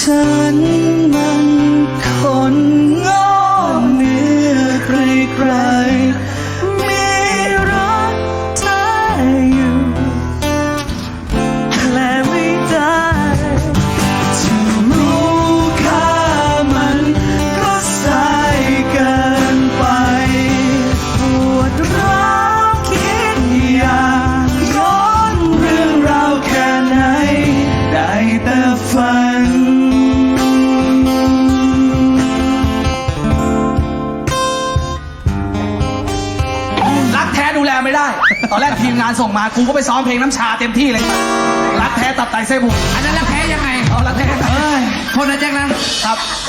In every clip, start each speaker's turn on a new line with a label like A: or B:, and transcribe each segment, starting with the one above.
A: ฉันมันคนงอเนื้อใครๆมีรักเธออยู่และไม่ได้จะรู้ค่ามันก็สายเกินไปปวดร้าวคิดอยากย้อนเรื่องราวแค่ไหนได้แต่ฝันรักแท้ดูแลไม่ได้ ตอนแรกทีมงานส่งมากูก็ไปซ้อมเพลงน้ำชาเต็มที่เลย รักแท้ตับไตไส้พุง
B: อันนั้นรักแท้ยังไง
A: เอารักแท้
B: โทษนะแจ็คนะครับ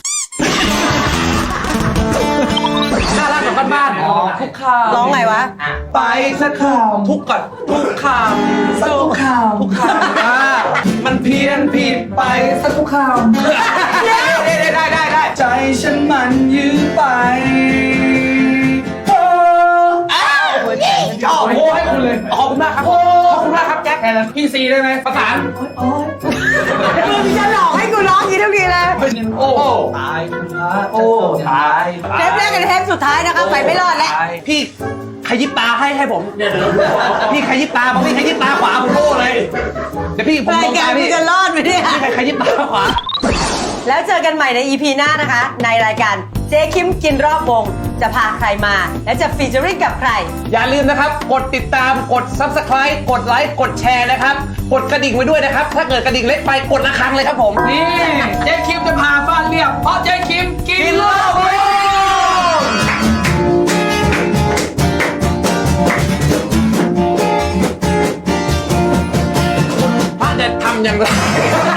B: น่ารักแบบบ้านๆทุกคำ
C: ร้องไงวะ
A: ไปสักคำ
B: ทุกก่อนทุกคำ
A: สักทุกคำ
B: ทุกคำมันเพี้ยนผิดไป
A: สักทุกคำได้ใจฉันมันยื้อไป
B: ชอบโอ้ให้คุณเลยขอบคุณมากครับขอบคุณมากครับแจ็คพี่ซีได้ไหมประสาน
C: มึงจะหลอกให้กูร้องอย่างนี้ทุกทีเลย
B: โอ้ตายโอ้ตาย
C: เทปแรกกับเทปสุดท้ายนะครับไปไม่รอดแล้ว
B: พี่ขยิบตาให้ผมพี่ขยิบตาบอกพี่ขยิบตาขวาผมโอ้เลยเดี๋ยวพี่ผมม
C: ราย
B: อง
C: กา
B: ตาร
C: มึง
B: พี่
C: จะรอดไหมเนี่ย
B: พี่ขยิบตาขวา
C: แล้วเจอกันใหม่ใน EP หน้านะคะ ในรายการเจ๊คิมกินรอบวง จะพาใครมา และจะฟีเจอริ่งกับใคร
B: อย่าลืมนะครับกดติดตามกด Subscribe กดไลค์กดแชร์นะครับกดกระดิ่งไว้ด้วยนะครับถ้าเกิดกระดิ่งเล็กไปกดระฆังเลยครับผมนี่เจ๊คิมจะพาบ้านเรียบเพราะเจ๊คิมกินรอบวงพระเด็ดทำอย่างไร